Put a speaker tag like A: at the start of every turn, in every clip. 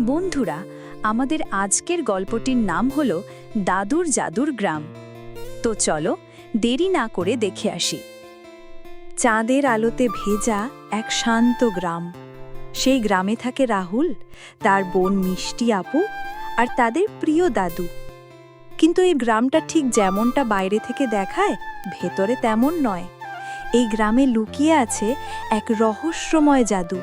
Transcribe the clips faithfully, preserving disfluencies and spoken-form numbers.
A: বন্ধুরা, আমাদের আজকের গল্পটির নাম হল দাদুর জাদুর গ্রাম। তো চলো দেরি না করে দেখে আসি। চাঁদের আলোতে ভেজা এক শান্ত গ্রাম। সেই গ্রামে থাকে রাহুল, তার বোন মিষ্টি আপু আর তাদের প্রিয় দাদু। কিন্তু এই গ্রামটা ঠিক যেমনটা বাইরে থেকে দেখায়, ভেতরে তেমন নয়। এই গ্রামে লুকিয়ে আছে এক রহস্যময় জাদু।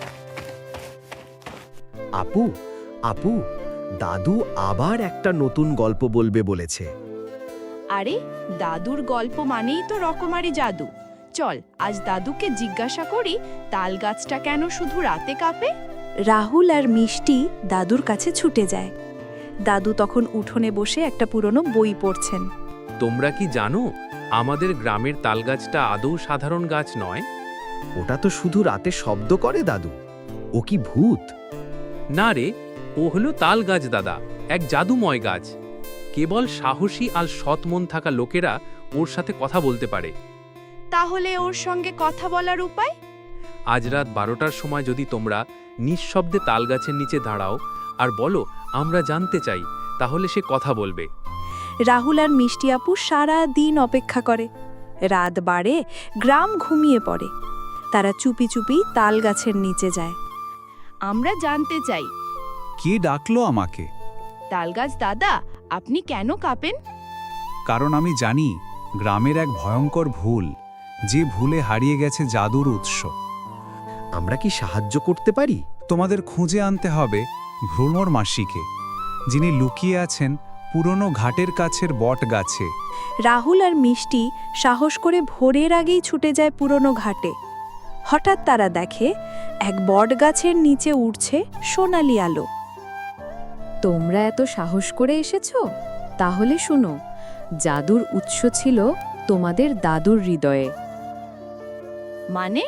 B: আপু আপু দাদু আবার একটা নতুন গল্প বলবে বলেছে।
C: আরে, দাদুর গল্প মানেই তো রকমারি জাদু। চল আজ দাদুকে জিজ্ঞাসা করি, তাল গাছটা কেন শুধু রাতে কাঁপে।
A: রাহুল আর মিষ্টি দাদুর কাছে ছুটে যায়। দাদু তখন উঠোনে বসে একটা পুরনো বই পড়ছেন।
D: তোমরা কি জানো, আমাদের গ্রামের তালগাছটা আদৌ সাধারণ গাছ নয়।
B: ওটা তো শুধু রাতে শব্দ করে দাদু। ও কি ভূত?
D: না রে, ও হলো তাল গাছ দাদা, এক জাদুময় গাছ। কেবল সাহসী আর সৎ মন থাকা লোকেরা ওর সাথে কথা বলতে পারে।
C: তাহলে ওর সঙ্গে কথা বলার উপায়?
D: আজ রাত বারোটার সময় যদি তোমরা নিঃশব্দে তাল গাছের নিচে দাঁড়াও আর বলো আমরা জানতে চাই, তাহলে সে কথা বলবে।
A: রাহুল আর মিষ্টি আপু সারা দিন অপেক্ষা করে। রাত বাড়ে, গ্রাম ঘুমিয়ে পড়ে। তারা চুপি চুপি তাল গাছের নিচে যায়।
C: আমরা জানতে চাই।
E: কে ডাকলো আমাকে?
C: তালগাছ দাদা, আপনি কেন কাঁপেন?
E: কারণ আমি জানি গ্রামের এক ভয়ঙ্কর ভুল, যে ভুলে হারিয়ে গেছে জাদুর উৎস।
B: আমরা কি সাহায্য করতে পারি?
E: তোমাদের খুঁজে আনতে হবে ভ্রমর মাসিকে, যিনি লুকিয়ে আছেন পুরনো ঘাটের কাছের বট গাছে।
A: রাহুল আর মিষ্টি সাহস করে ভোরের আগেই ছুটে যায় পুরনো ঘাটে। হঠাৎ তারা দেখে এক বট গাছের নিচে উঠছে সোনালি আলো।
F: তোমরা এত সাহস করে এসেছো? তাহলে শুনো, জাদুর উৎস ছিল তোমাদের দাদুর হৃদয়ে।
C: মানে?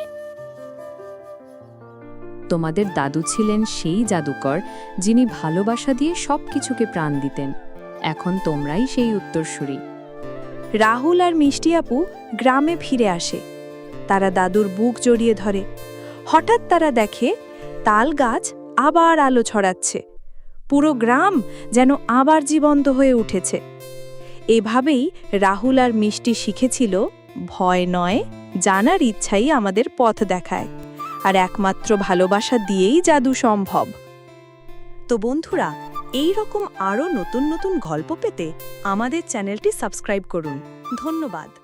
F: তোমাদের দাদু ছিলেন সেই জাদুকর, যিনি ভালোবাসা দিয়ে সবকিছুকে প্রাণ দিতেন। এখন তোমরাই সেই উত্তরসূরি।
A: রাহুল আর মিষ্টি আপু গ্রামে ফিরে আসে। তারা দাদুর বুক জড়িয়ে ধরে। হঠাৎ তারা দেখে তাল গাছ আবার আলো ছড়াচ্ছে। পুরো গ্রাম যেন আবার জীবন্ত হয়ে উঠেছে। এভাবেই রাহুল আর মিষ্টি শিখেছিল, ভয় নয়, জানার ইচ্ছাই আমাদের পথ দেখায়, আর একমাত্র ভালোবাসা দিয়েই জাদু সম্ভব। তো বন্ধুরা, এই রকম আরও নতুন নতুন গল্প পেতে আমাদের চ্যানেলটি সাবস্ক্রাইব করুন। ধন্যবাদ।